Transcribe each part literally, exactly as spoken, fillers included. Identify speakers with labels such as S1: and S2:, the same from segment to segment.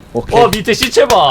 S1: 오케이.
S2: 어 밑에 시체 봐.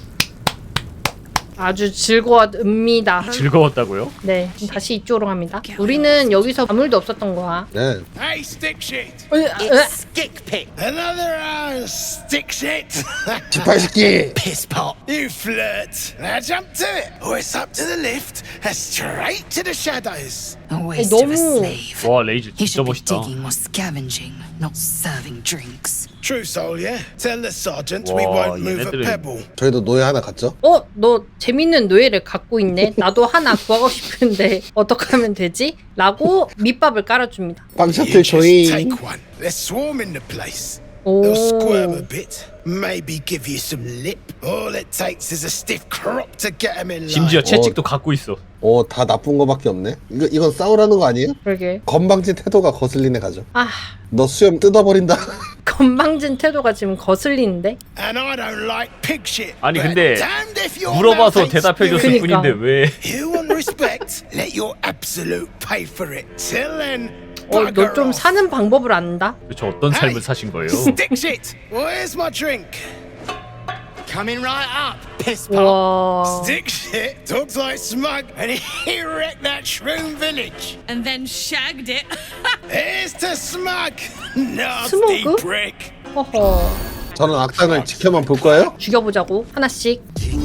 S3: 아주 즐거웠습니다.
S2: 즐거웠다고요?
S3: 네, 다시 이쪽으로 갑니다. 우리는 여기서 아무 일도 없었던 거야.
S1: 네.
S4: Hey, stick shit!
S3: 으, 으,
S5: It's Stick Pick.
S4: Another uh, stick shit!
S1: 지팔새끼.
S5: Piss pot.
S4: You flirt! Now jump to it, or it's up to the lift and straight to the shadows.
S5: A waste of a
S3: 너무-
S5: slave.
S2: 와 레이즈
S5: He
S2: 진짜
S5: should be
S2: 멋있다.
S5: digging or scavenging, not serving drinks.
S4: True soul, yeah? Tell the sergeant we
S2: Wow,
S4: won't move a
S2: 얘네들은-
S4: pebble.
S1: 저희도 노예 하나 갔죠?
S3: 어, 너 재밌는 노예를 갖고 있네. 나도 하나 구하고 싶은데 어떻게 하면 되지? 라고 밑밥을 깔아줍니다.
S4: You
S1: 빵셔틀
S4: just
S1: 조인.
S4: take one. They're swarming the place.
S3: 오.
S4: They'll squirm a bit, maybe give you some lip. All it takes is a stiff crop to get them in line.
S2: 심지어 채찍도 갖고 있어.
S1: 오, 다 나쁜 거밖에 없네. 이거 이건 싸우라는 거 아니에요?
S3: 그러게.
S1: 건방진 태도가 거슬리네 가죠.
S3: 아,
S1: 너 수염 뜯어버린다.
S3: 건방진 태도가 지금 거슬리는데?
S4: And I don't like pig shit.
S2: 아니,
S4: but
S2: 근데
S4: damned if your
S2: 물어봐서
S4: mouth ain't
S2: 대답해줬을
S4: spewing.
S3: 그니까.
S2: 뿐인데 왜?
S4: You want respect? Let your absolute pay for it. Till then,
S3: 어,
S4: bugger
S3: 너 좀
S4: off.
S3: 사는 방법을 안다?
S2: 도대체 어떤 삶을 사신 거예요?
S4: Stick shit. Where's my drink?
S5: Coming right up. Piss pot.
S3: 와.
S4: Stick shit talks like smug, and he wrecked that shroom village.
S6: and then shagged it.
S4: Here's to smug, nasty
S3: Smug?
S4: prick.
S3: 허허.
S1: 저는 악당을 지켜만 볼 거예요?
S3: 죽여보자고. 하나씩.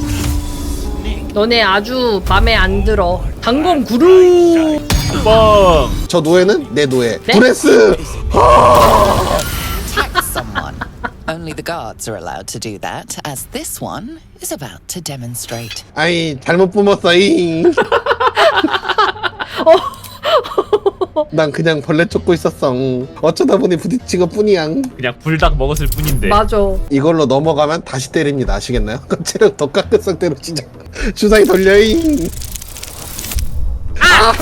S3: 너네 아주 맘에 안 들어. 단검 구루.
S2: 뻥!
S1: 저 노예는 내 노예.
S3: 네?
S1: 브레스.
S7: Attack someone. Only the guards are allowed to do that, as this one is about to demonstrate.
S1: 아이 잘못 뿜었어. 이. 난 그냥 벌레 쫓고 있었어. 어쩌다 보니 부딪힌 것 뿐이야.
S2: 그냥 불닭 먹었을 뿐인데.
S3: 맞아.
S1: 이걸로 넘어가면 다시 때립니다. 아시겠나요? 체력 더 깎은 상태로 진짜 주사위 돌려잉. 아!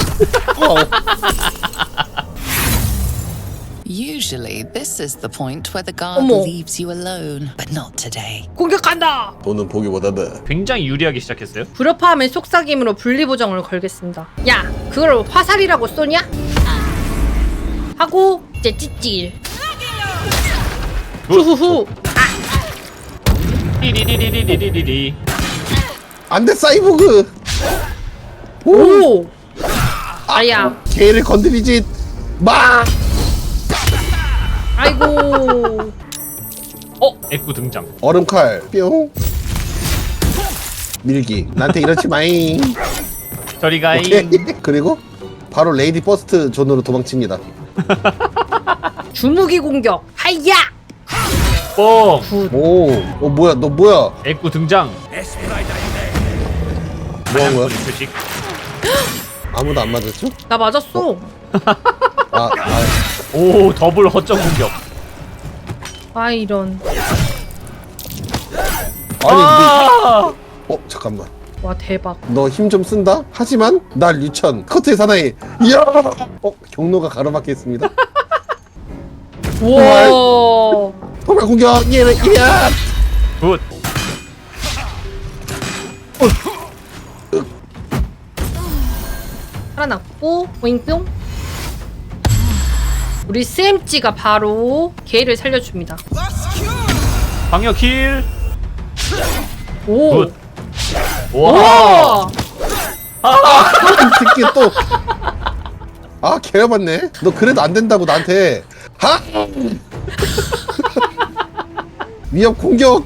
S1: 어.
S7: Usually, this is the point where the guard
S3: 어머.
S7: leaves you alone, but not today.
S3: 공격한다.
S1: 돈은 보기보다는
S2: 굉장히 유리하게 시작했어요.
S3: 불협화음의 속삭임으로 분리보정을 걸겠습니다. 야, 그걸 화살이라고 쏘냐? 하고 이제 찌찌. 후후후.
S2: 리리리리리리리리.
S1: 안돼 사이보그.
S3: 오. 아야.
S1: 개를 건드리지 마.
S3: 아이고.
S2: 어? 애꾸 등장.
S1: 얼음칼 뿅. 밀기. 나한테 이러지 마잉.
S2: 저리
S1: 오케이.
S2: 가잉.
S1: 그리고 바로 레이디 퍼스트 존으로 도망칩니다.
S3: 주무기 공격. 하야.
S2: 뻥!
S1: 오, 어 뭐야 너 뭐야?
S2: 애꾸 등장.
S1: 뭐한 거야?
S2: 표식.
S1: 아무도 안 맞았죠?
S3: 나 맞았어.
S1: 아, 아
S2: 오 더블 허점 공격.
S3: 아 이런.
S1: 아니
S2: 아!
S1: 너, 어 잠깐만.
S3: 와 대박.
S1: 너 힘 좀 쓴다? 하지만 날 유천 커트의 사나이. 이야. 어 경로가 가로막혀 있습니다.
S3: 와.
S1: 도발 공격. 얘는 이야.
S2: 굿.
S3: 살아났고 오잉뿅. 우리 스엠찌가 바로 개를 살려줍니다.
S2: 방역 킬.
S3: 오.
S2: 굿. 와.
S3: 와.
S1: 이 새끼 또. 아 개여봤네. 너 그래도 안 된다고 나한테. 하. 위협 공격.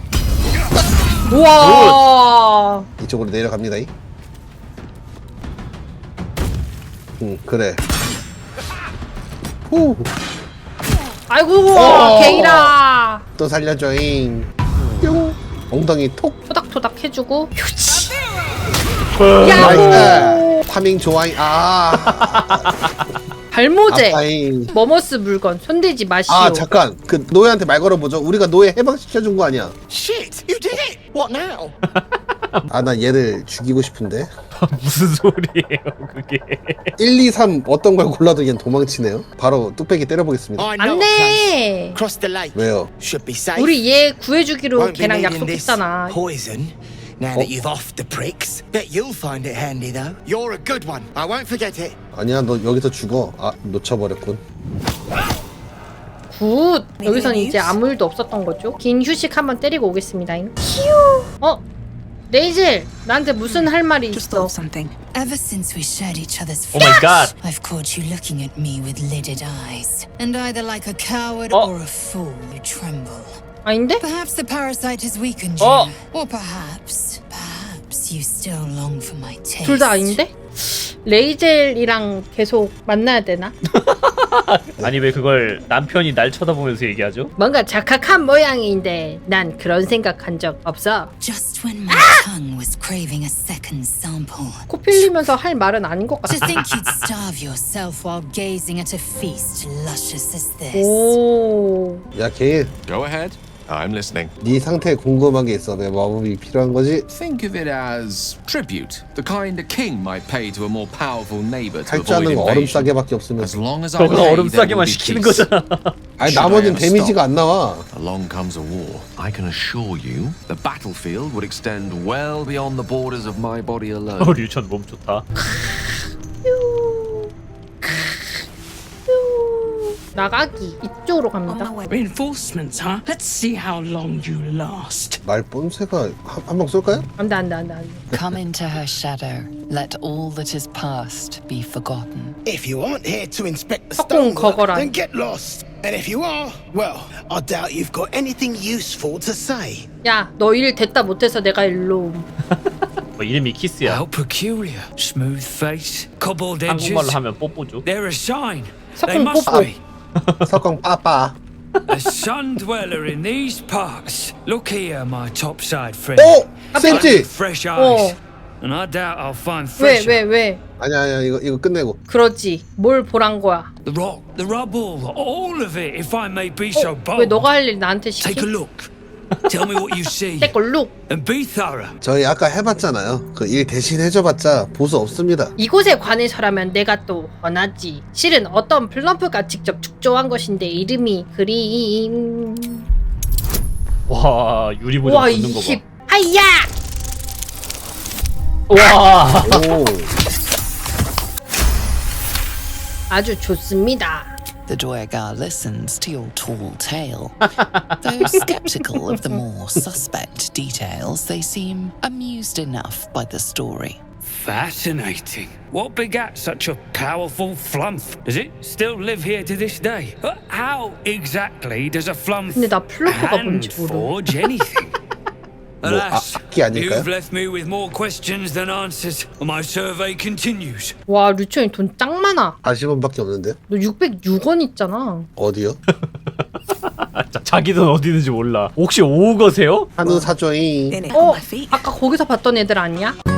S3: 우와.
S1: 이쪽으로 내려갑니다. 이. 응 그래. 후.
S3: 아이고
S1: 어.
S3: 개이라.
S1: 또 살려줘잉. 뿅. 엉덩이 톡.
S3: 토닥토닥 해주고. 휴치.
S2: 뻥.
S3: 야호.
S1: 나이스. 파밍 좋아잉. 아.
S3: 발모제.
S1: 아빠잉.
S3: 머머스 물건 손대지 마시오.
S1: 아 잠깐 그 노예한테 말 걸어보죠. 우리가 노예 해방시켜준 거 아니야.
S5: Shit, you did it. What now?
S1: 아 나 얘를 죽이고 싶은데.
S2: 무슨 소리예요 그게?
S1: 일, 이, 삼 어떤 걸 골라도 얘는 도망치네요. 바로 뚝배기 때려보겠습니다.
S5: I know a place.
S3: 안돼.
S5: Cross the lake.
S1: 왜요?
S5: Should be safe.
S3: 우리 얘 구해주기로
S5: Won't be
S3: 걔랑
S5: needing this
S3: 약속했잖아.
S5: poison. Now that you've offed the pricks, bet you'll find it handy though. You're a good one. I won't forget it.
S1: 아니야 너 여기서 죽어. 아 놓쳐버렸군.
S3: 굿. 여기서는 이제 아무 일도 없었던 거죠. 긴 휴식 한번 때리고 오겠습니다. 휴. 어? 레이젤, 나한테 무슨 할 말이 있어?
S6: something. Ever since we shared each other's
S2: 오 마이 갓.
S6: I've caught you looking at me with lidded eyes. And either like a coward
S2: Oh.
S6: or a fool, you tremble.
S3: 아닌데?
S6: Perhaps the parasite has weakened you.
S2: Oh.
S6: Or perhaps, perhaps you still long for my taste.
S3: 둘 다 아닌데? 레이젤이랑 계속 만나야 되나?
S2: 아니 왜 그걸 남편이 날 쳐다보면서 얘기하죠?
S3: 뭔가 착각한 모양인데 난 그런 생각한 적 없어.
S6: Just when my tongue was craving a second sample.
S3: 코 필리면서 할 말은 아닌 것
S6: To
S3: 같아.
S6: think you'd starve yourself while gazing at a feast luscious as this.
S3: 오.
S1: 야 게일,
S8: Go ahead. I'm listening.
S1: 네 상태에 궁금한 게 있어. 내 마법이 필요한 거지?
S8: Think of it as tribute, the kind a king might pay to a more powerful neighbor to
S1: 할 줄
S8: avoid
S1: 아는 거 얼음
S8: invasion.
S1: 싸게밖에 없으면.
S8: As long as I
S2: 너가
S8: pay,
S2: 얼음
S8: there will
S2: 싸게만
S8: be
S2: 시키는
S8: peace.
S2: 거잖아.
S1: 아니
S8: Should I
S1: 나머지는
S8: ever
S1: 데미지가
S8: stop?
S1: 안 나와.
S8: Along comes a war. I can assure you, the battlefield would extend well beyond the borders of my body alone.
S2: 어, 류천 몸 좋다.
S3: 나가기 이쪽으로 갑니다.
S9: Reinforcements, huh? Let's see how long you last.
S1: 말 뽐새가 한 방 쏠까요?
S3: 안돼 안돼 안돼 안돼.
S7: Come into her shadow. Let all that is past be forgotten.
S4: If you aren't here to inspect the
S3: 석공
S4: stonework,
S3: 거거라.
S4: then get lost. And if you are, well, I doubt you've got anything useful to say.
S3: 야, 너 일 됐다 못해서 내가 일로 옴.
S2: 뭐 이름이 키스야.
S9: How peculiar. Smooth face, cobbled edges.
S2: 한국말로 하면 뽀뽀죠.
S9: They're a sign.
S3: 석공
S9: They must
S3: 뽀뽀.
S9: be.
S1: 석광 빠빠.
S9: A sun dweller in these parts. Look here, my topside friend.
S1: 오! 쌤지!
S9: Fresh eyes.
S3: 어.
S9: And I doubt I'll find
S3: 왜
S9: fresh.
S3: 왜 왜?
S1: 아니야 아니야 이거 이거 끝내고.
S3: 그러지. 뭘 보란 거야?
S9: The rock, the rubble, all of it, if I may be so
S3: 왜
S9: bold.
S3: 너가 할 일 나한테
S9: Take a
S3: 시키?
S9: look. Tell me what you see.
S3: 떼걸룩.
S9: And be thorough.
S1: 저희 아까 해봤잖아요. 그 일 대신 해줘봤자 보수 없습니다.
S3: 이곳에 관해서라면 내가 또 원하지. 실은 어떤 플럼프가 직접 축조한 것인데 이름이 그림.
S2: 와 유리보정
S3: 와
S2: 붙는 거
S3: 이십.
S2: 봐.
S3: 아이야.
S2: 와.
S1: 오.
S3: 아주 좋습니다.
S7: The Duergar listens to your tall tale. Though skeptical of the more suspect details, they seem amused enough by the story.
S9: Fascinating. What begat such a powerful flump? Does it still live here to this day? Uh, How exactly does a flump
S3: 근데 나 플럼프가
S9: hand
S3: 뭔지 모르.
S9: forge anything? Alas,
S1: 아, 악기 아닐까요?
S9: you've left me with more questions than answers. My survey continues.
S3: 와 류천이 돈 짱 많아.
S1: 사십 원밖에 없는데?
S3: 너 육백육 원 있잖아.
S1: 어디요?
S2: 자, 자기 돈 어디 있는지 몰라. 혹시 오우거세요?
S1: 한우 사조잉.
S3: 어? 아까 거기서 봤던 애들 아니야?